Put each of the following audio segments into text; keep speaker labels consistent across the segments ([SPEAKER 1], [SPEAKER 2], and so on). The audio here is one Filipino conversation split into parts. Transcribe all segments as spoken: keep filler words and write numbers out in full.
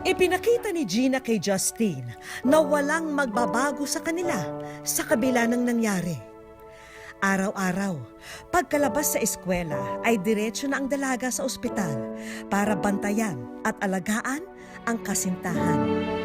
[SPEAKER 1] Ipinakita ni Gina kay Justine na walang magbabago sa kanila sa kabila ng nangyari. Araw-araw, pagkalabas sa eskwela ay diretso na ang dalaga sa ospital para bantayan at alagaan ang kasintahan.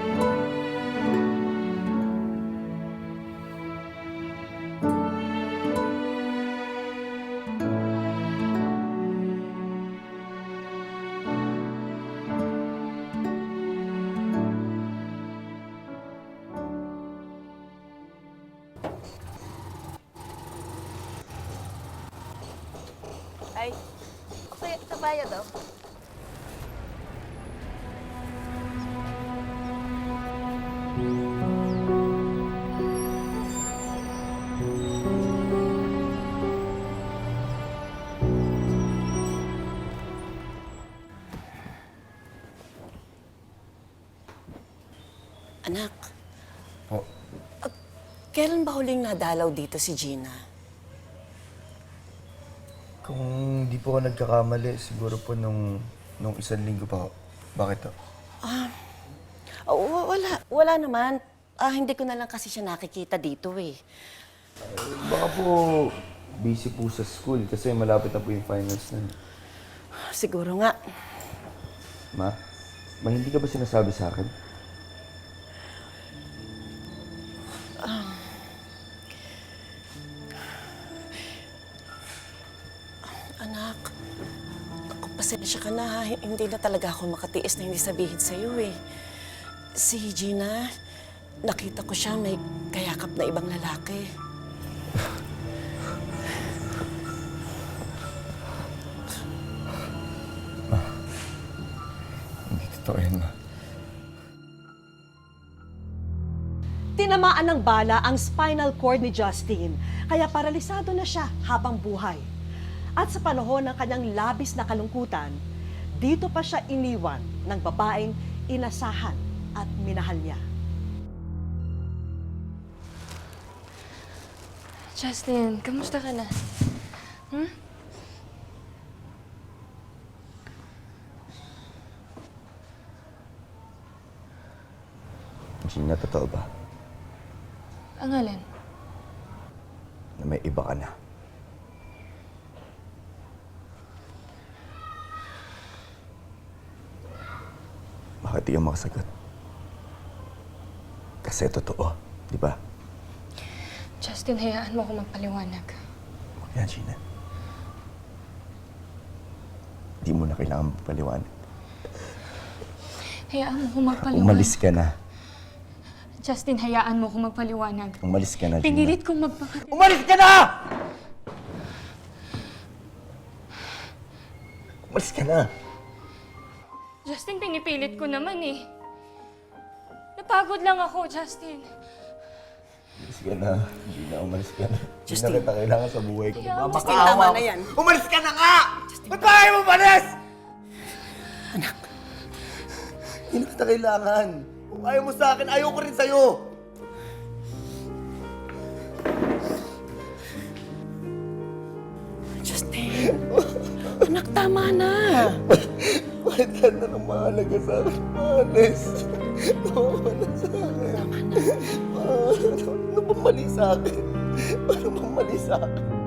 [SPEAKER 2] Ay, sa, sa bayad daw.
[SPEAKER 3] Anak,
[SPEAKER 4] Po,
[SPEAKER 3] kailan ba huling nadalaw dito si Gina?
[SPEAKER 4] kung di po ako nagkakamali, siguro po nung, nung isang linggo pa ako. Bakit to?
[SPEAKER 3] Oh, wa- wala, wala naman. Ah, hindi ko na lang kasi siya nakikita dito eh.
[SPEAKER 4] Baka po busy po sa school kasi malapit na po yung finals na.
[SPEAKER 3] Siguro nga.
[SPEAKER 4] Ma, ma hindi ka ba sinasabi sa akin?
[SPEAKER 3] Anak, ako, pasensya ka na ha. Hindi na talaga ako makatiis na hindi sabihin sa'yo eh. Si Gina, nakita ko siya may kayakap na ibang lalaki.
[SPEAKER 4] Hindi totoo yan, ma.
[SPEAKER 1] Tinamaan ng bala ang spinal cord ni Justine, kaya paralisado na siya habang buhay. At sa panahon ng kanyang labis na kalungkutan, dito pa siya iniwan ng babaeng inasahan at minahal niya.
[SPEAKER 5] Justin, kamusta ka na? Hmm?
[SPEAKER 4] Gina, totoo ba?
[SPEAKER 5] Ang alin?
[SPEAKER 4] Na may iba ka na. Bakit di ka makasagot? Kasi totoo, di ba?
[SPEAKER 5] Justin, hayaan mo ako magpaliwanag.
[SPEAKER 4] Huwag yan, Gina. Di mo na kailangan magpaliwanag.
[SPEAKER 5] Hayaan mo ako magpaliwanag.
[SPEAKER 4] Umalis ka na.
[SPEAKER 5] Justin, hayaan mo ako magpaliwanag.
[SPEAKER 4] Umalis ka na, Gina.
[SPEAKER 5] Pinilit kong magpaka...
[SPEAKER 4] Umalis ka na! Umalis ka na!
[SPEAKER 5] Justin, pinipilit ko naman eh. Napagod lang ako, Justin.
[SPEAKER 4] Umalis ka na. Gina, umalis ka na.
[SPEAKER 3] Justin.
[SPEAKER 4] Hindi na kita kailangan sa buhay ko.
[SPEAKER 5] Kaya,
[SPEAKER 3] Justin, tama na yan.
[SPEAKER 4] Umalis ka na nga! Ba't ba kayo umalis?
[SPEAKER 3] Anak,
[SPEAKER 4] Hindi na kita kailangan. Kung ayaw mo sa akin, ayaw ko rin sa'yo.
[SPEAKER 3] Justin. Anak, tama na.
[SPEAKER 4] Bakit ka na nang mahalaga sa akin? Mahalis. Nawawala sa akin.
[SPEAKER 3] Tama na.
[SPEAKER 4] Ano bang mali sa akin? Ano bang mali sa akin?